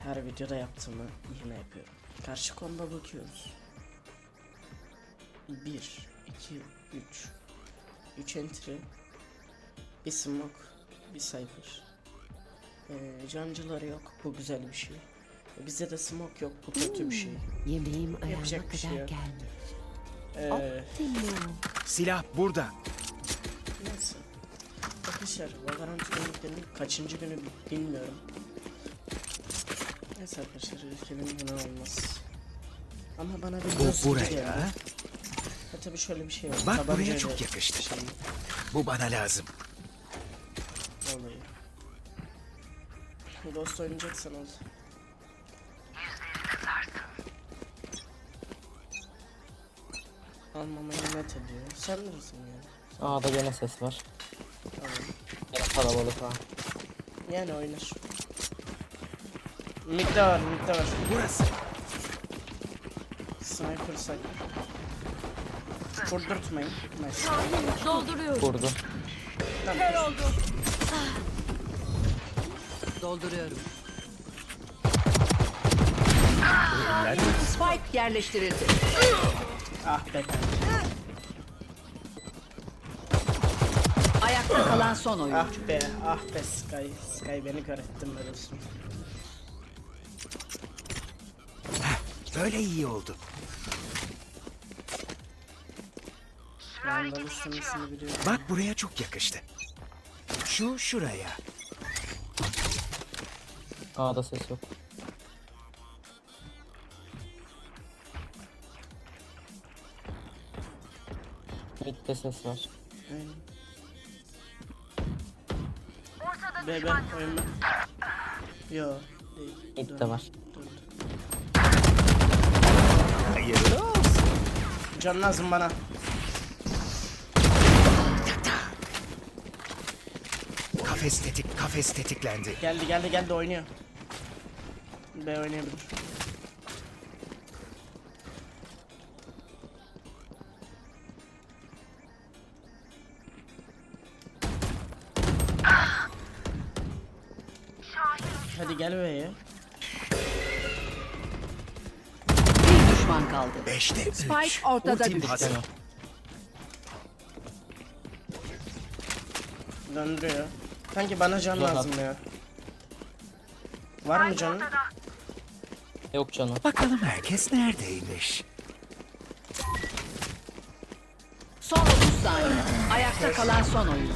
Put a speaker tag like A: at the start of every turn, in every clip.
A: Her videoda yaptığımı yine yapıyorum. Karşı konuda bakıyoruz. 1, 2, 3. 3 entry. Bir smoke. Bir cypher. Cancıları yok. Bu güzel bir şey. Bizde de smoke yok. Bu kötü bir şey.
B: Yemeğim ayağıma
A: Yapacak bir şey
B: kadar
A: yok.
B: gelmiş.
C: Silah burada.
A: Neyse. Arkadaşlar Valorant günlüklerinin kaçıncı günü bilmiyorum. Neyse arkadaşlar ülkemin buna olmaz. Ama bana bir
C: Bu
A: göz gibi
C: buraya.
A: geldi. Ha tabii şöyle bir şey var.
C: Bak buraya
A: Tabancayla
C: çok yakıştı.
A: şey
C: Bu bana lazım.
A: olayı. Ghost oynayacaksan ol. Almamayı net ediyor. Sen neresin yani?
D: A'da gene ses var.
A: Tamam.
D: Gene kalabalık ha.
A: Yani oynar. Mid'de var, mid'de var.
C: Burası.
A: Sniper sniper. Vurdurtmayın. Nice.
B: Dolduruyorum.
D: Vurdu.
A: Tamam.
B: Dolduruyorum.
C: Eller.
B: Spike yerleştirildi.
A: Ah be kanka.
B: Ayakta kalan son oyuncu.
A: Ah be Sky beni kör ettin be dostum.
C: Böyle iyi oldu.
A: Vandal istemesini biliyorum.
C: Bak buraya çok yakıştı. Şu şuraya.
D: A'da ses yok. Mid'de ses var.
A: Aynen. Be oyna. Yo değil.
D: Mid'de var.
A: Dur.
C: Hayırlı olsun.
A: Can lazım bana.
C: Kafes tetiklendi.
A: Geldi oynuyor. B oynayabilir. Hadi gel B'ye.
B: Bir düşman kaldı.
C: 5'te 3.
B: Spike ortada
C: Ultim
B: düştü.
C: hazır.
A: Döndürüyor. Sanki bana can
D: Güzel
A: lazım ya. Var mı canın?
D: Yok canım.
C: Bakalım herkes neredeymiş?
B: Son 30 saniye. Ayakta kalan son oyuncu.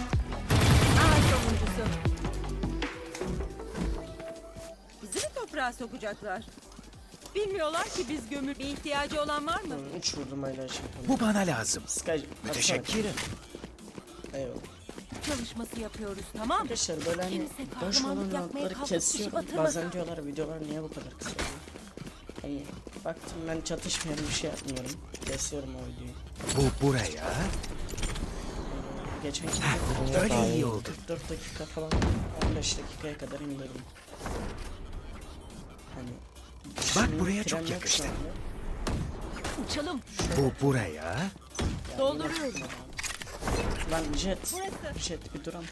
E: Bizi mi toprağa sokacaklar? Bilmiyorlar ki biz gömül. Bir ihtiyacı olan var mı?
A: 3 vurdum hala şey.
C: Bu bana lazım.
A: Sky atsana.
C: Müteşekkirim.
A: Eyvallah.
E: Çalışması yapıyoruz, tamam mı?
A: Arkadaşlar böyle hani
E: Kimse
A: boş olan
E: kahramanlık yapmaya
A: roundları
E: kalkıp
A: kesiyorum.
E: kişi batırmasın.
A: Bazen diyorlar videolar niye bu kadar kısa oluyor? Hani baktım ben çatışmıyorum bir şey yapmıyorum. Kesiyorum o videoyu.
C: Bu buraya.
A: Geçen
C: Böyle iyi oldu.
A: 44 dakika falan 15 dakikaya kadar indirdim. Hani
C: Bak
A: şimdi
C: buraya
A: tren
C: çok
A: yok şu
C: yakıştı.
A: anda.
E: Uçalım.
C: Bu buraya.
A: Yani
E: Dolduruyorum.
A: yine- Lan jet.
E: Burası.
A: Jet bir duram.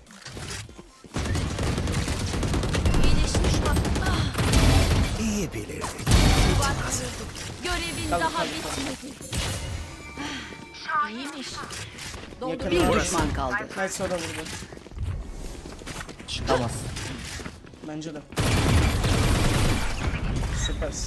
E: İyileşmiş bak.
C: İyi bilirdik.
E: Görevin
A: Kal,
E: daha
A: kal,
E: bitmedi. İyiymiş.
A: Yakın
B: Bir
A: var.
B: düşman kaldı.
A: Nice o da vurdu.
D: Çıkamaz.
A: Bence de. Süpersin.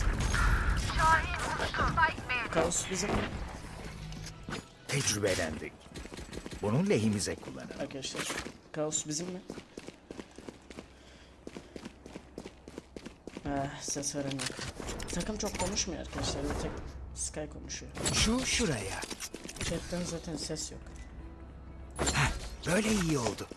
A: Kaos bizim
C: Tecrübelendik. Bunu lehimize kullanalım.
A: arkadaşlar. Kaos bizim mi? Ses veren yok. Takım çok konuşmuyor arkadaşlar. Bir tek Sky konuşuyor.
C: Şu şuraya.
A: Chatten zaten ses yok.
C: Böyle iyi oldu.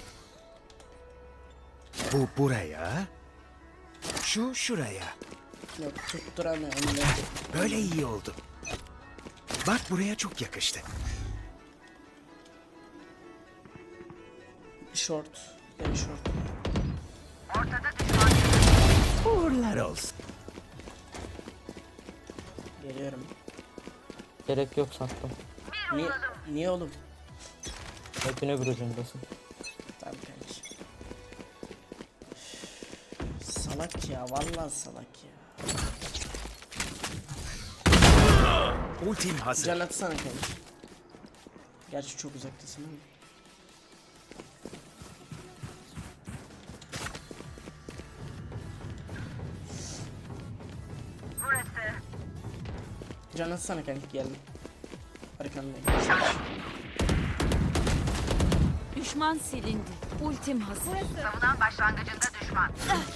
C: Bu buraya. Şu şuraya.
A: Yok tutturamıyor onu.
C: Böyle iyi oldu. Bak buraya çok yakıştı.
A: Short. Very short.
C: Uğurlar olsun.
A: Geliyorum.
D: Gerek yok sattım.
A: Niye oğlum?
D: Hepin öbür ucundasın.
A: Tamam kardeşim. Salak ya, vallahi salak ya.
C: Ultim hazır.
A: Can atsana kanka. Gerçi çok uzaktasın ama. Can atsana kanka, geldim. Arkandayım.
B: Düşman silindi. Ultim hazır.
F: Savunan başlangıcında düşman.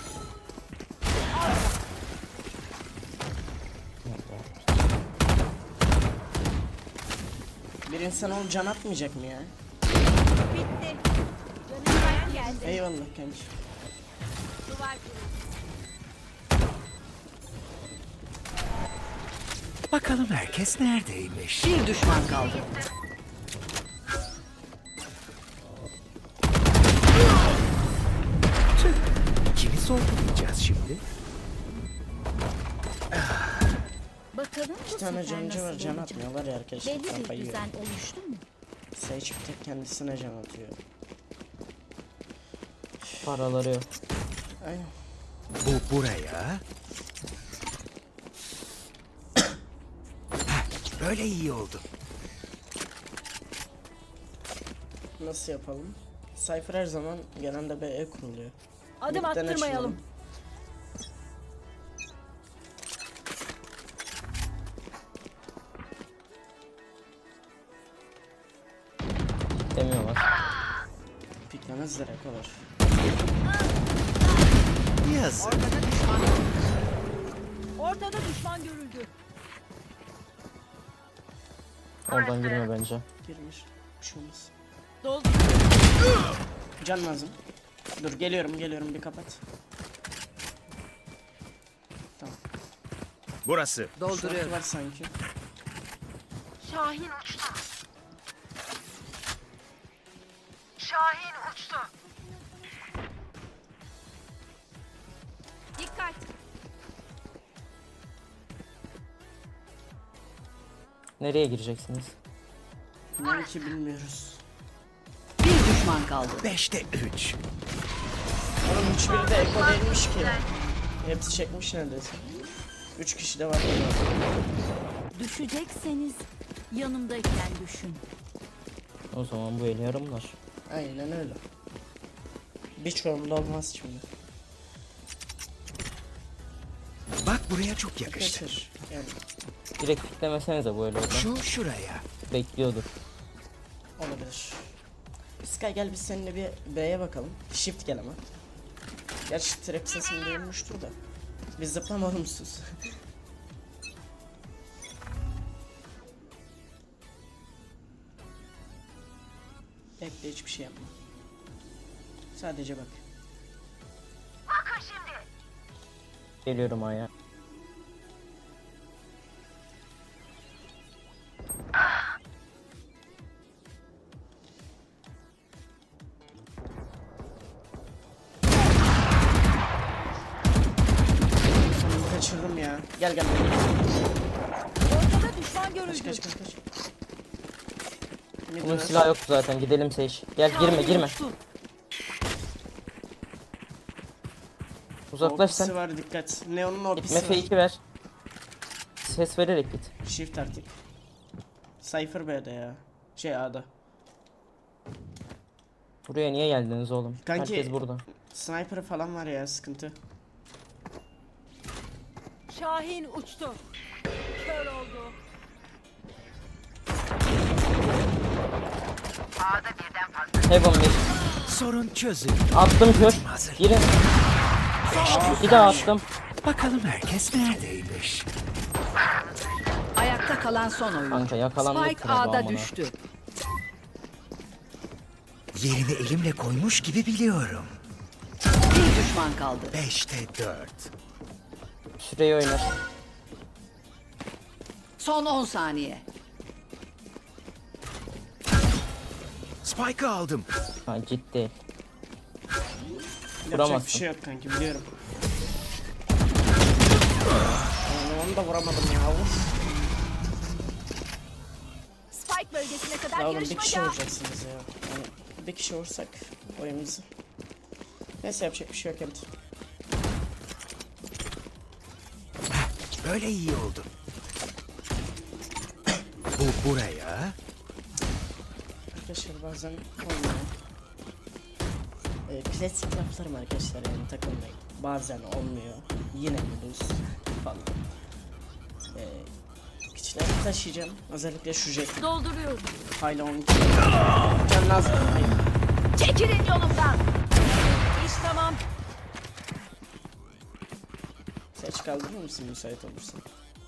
A: Bir insan ol, can atmayacak mı ya?
E: Bitti. Canım geldi.
A: Eyvallah kanka.
E: Duvar kırıldı.
C: Bakalım herkes neredeymiş?
B: Bir düşman kaldı.
C: Kimi sorgulayacağız şimdi?
G: Bakalım bu
A: Bir tane
G: sefer
A: cancı var,
G: nasıl
A: can
G: olacak?
A: atmıyorlar ya arkadaşlar.
G: Belli bir
A: Kafayı yiyor.
G: düzen oluştu mu?
A: Sage bir tek kendisine can atıyor.
D: Paraları yok.
A: Aynen.
C: Bu buraya. Heh, böyle iyi oldu.
A: Nasıl yapalım? Cypher her zaman genelde BE kuruluyor.
E: Adım
A: Midden
E: attırmayalım.
A: açılalım.
D: Demiyorlar.
A: Piklemez direkt olur.
C: Yazık.
E: Ortada düşman görüldü.
D: Oradan girme bence.
A: Girmiş. Bir şey olmaz.
E: Doldu.
A: Can lazım. Dur geliyorum bir kapat. Tamam.
C: Burası.
A: Dolduruyorum. Var sanki.
F: Şahin uçtu. Şahin uçtu.
E: Dikkat.
D: Nereye gireceksiniz?
A: İnan ki bilmiyoruz.
B: Bir düşman kaldı.
C: 5'te 3.
A: Oğlum hiçbiri de eko değilmiş ki. Hepsi çekmiş neredeyse. 3 kişi de var.
G: Düşecekseniz yanımdayken düşün.
D: O zaman bu eli yarımlar.
A: Aynen öyle. Bir çorumda olmaz şimdi.
C: Bak buraya çok yakıştı.
A: Kaçır. Yani
D: Direkt piklemesenize bu eli oradan.
C: Şu şuraya.
D: Bekliyordur.
A: olabilir. Sky gel biz seninle bir B'ye bakalım. Shift gel ama. Gerçi trap sesini duyulmuştur da. Biz zıplama olumsuz. Bekle, hiçbir şey yapma. Sadece bak.
F: Bakın şimdi.
D: Geliyorum aya.
A: Onu kaçırdım ya. Gel.
E: Ortada düşman görüldü.
A: Kaç. Mid
D: Bunun
A: var.
D: silahı yoktu zaten. Gidelim Sage. Gel girme.
E: Uçtu.
D: Uzaklaş
A: Orpisi
D: sen.
A: var, dikkat. Neon'un orpisi
D: Gitme
A: var.
D: fake'i ver. Ses vererek git.
A: Shift artık. Cypher B'de ya. Şey A'da.
D: Buraya niye geldiniz oğlum?
A: Kanki-
D: Herkes burada.
A: Sniper falan var ya, sıkıntı.
E: Şahin uçtu. Kör oldu.
F: A'da birden fazla.
D: Heaven bir.
C: Sorun çözün.
D: Attım kör.
C: Hazır.
D: Girin. Bir daha attım.
C: Bakalım herkes neredeymiş?
B: Ayakta kalan son oyun.
D: Kanka yakalandık.
B: Spike
D: yine bu
B: A'da
D: amına.
B: düştü.
C: Yerini elimle koymuş gibi biliyorum.
B: Bir düşman kaldı.
C: 5'te 4.
D: Süreyi oynar.
B: Son 10 saniye.
C: Spike'ı aldım.
D: Ha ciddi.
A: Yapacak
D: Vuramazsın.
A: bir şey yok kanki, biliyorum. Yani onu da vuramadım ya. Uf.
E: Spike bölgesine kadar
A: Ya oğlum bir kişi
E: yarışmaca.
A: vuracaksınız ya. Yani bir kişi vursak oyunumuzu. Neyse yapacak bir şey yok, evet.
C: Böyle iyi oldu. Bu buraya.
A: Arkadaşlar bazen olmuyor. Klasik laflarım arkadaşlar, yani takılmayın. Bazen olmuyor. Yine buluruz falan. Küçükleri taşıyacağım. Özellikle şu jet.
G: Dolduruyorum.
A: Hala 12. Can lazım. Hayır.
G: Çekilin yolumdan.
E: İş tamam.
A: Seç kaldırır mısın müsait olursan?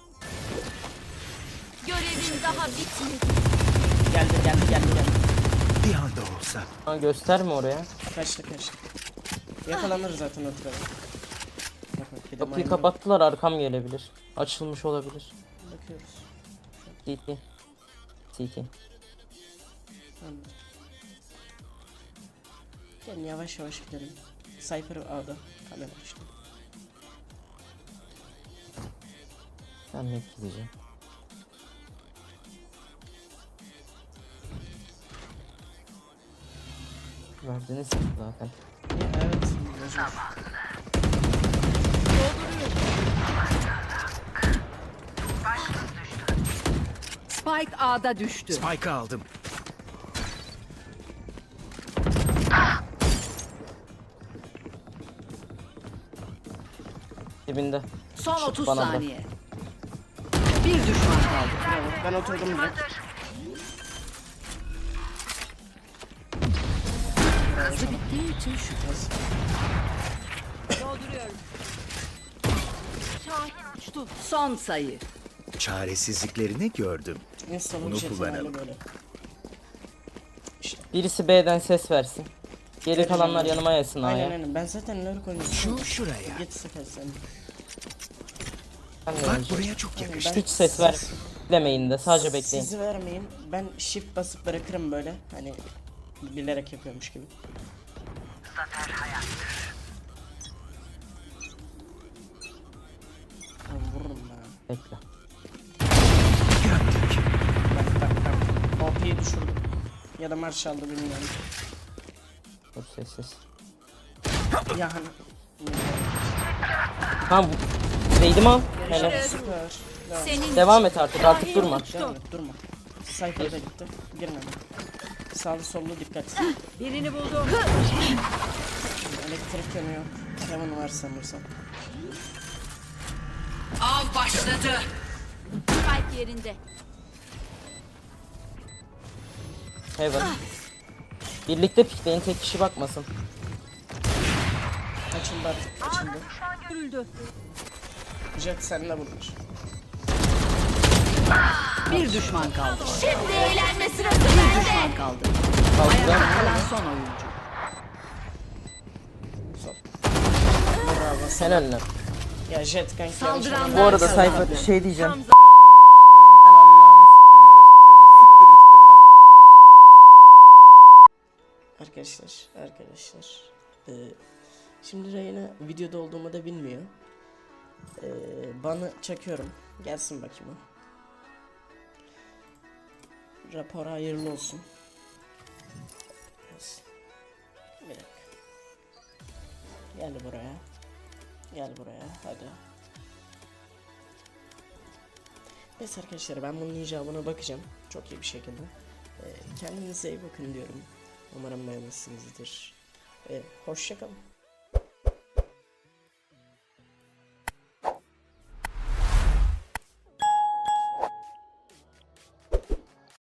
G: Görevin daha bitmedi.
A: Geldi.
C: Bir anda olsa.
D: Ha, gösterme oraya.
A: Kaçtı. Yakalanır zaten o tarafa. Bak bir de
D: Kapıyı
A: maymun.
D: kapattılar, arkam gelebilir. Açılmış olabilir.
A: Bakıyoruz.
D: CT. CT.
A: Anladım. Gelin yavaş gidelim. Cypher A'da. Kamera işte.
D: Ben mid gideceğim. Verdiniz zaten.
A: Evet.
B: Spike A'da düştü.
C: Spike'ı aldım.
D: Dibinde.
B: Son 30
D: bana bak.
B: saniye. Bir düşman kaldı.
A: Bravo. Ben oturdum direkt.
B: Hızlı bittiği için şu.
E: Dolduruyorum.
F: Şahin uçtu.
B: Son sayı.
C: Çaresizliklerini gördüm.
A: Install'ın
C: Bunu
A: jetin
C: kullanalım.
A: hali böyle. İşte.
D: Birisi B'den ses versin. Geri kalanlar yanıma yesin A'ya.
A: Aynen. Ben zaten lurk oynuyorum.
C: Şuraya.
A: Git sıkar sen.
D: Ben de
C: Bak
D: oynayacağım.
C: buraya çok yakıştı.
D: Hiç ses ver. Demeyin de sadece bekleyin.
A: Sizi vermeyin. Ben shift basıp bırakırım böyle. Hani bilerek yapıyormuş gibi.
F: Zafer hayat.
A: Ben vururum ben.
D: Bekle.
A: Bak. OP'yi düşürdüm. Ya da marş aldı bilmiyorum.
D: Dur sessiz.
A: Ya hani.
D: Tamam. Değdim al. Helal.
A: Süper. Devam.
G: Senin
D: Devam et artık durma.
A: Devam et, durma. Cypher'da gitti. Girin hemen. Sağlı sollu dikkat.
E: Birini buldum.
A: Elektrik yanıyor. Heaven var sanırsam.
B: Av başladı.
G: spike yerinde.
D: Heaven. Birlikte pikleyin, tek kişi bakmasın.
A: Açıldı artık. Açıldı.
E: Görüldü.
A: Jet seninle bulmuş.
B: Bir düşman kaldı.
G: Şimdi eğlenme sırası
B: Bir
G: bende.
B: düşman kaldı.
D: Kaldı.
B: Ayakta kalan son oyuncu.
A: Sol. Bravo.
D: Helal lan.
A: Ya Jet kanki.
B: Saldıranlar
D: Bu arada
B: kazandı.
D: Cypher şey diyeceğim.
A: Arkadaşlar. Şimdi Reyna videoda olduğumu da bilmiyor. Bana çakıyorum. Gelsin bakayım o. Rapor hayırlı olsun. Gelsin. Bir dakika. Gel buraya. Gel buraya. Hadi. Neyse arkadaşlar, ben bunun icabına bakacağım. Çok iyi bir şekilde. Kendinize iyi bakın diyorum. Umarım beğenmişsinizdir. Hoşça kalın.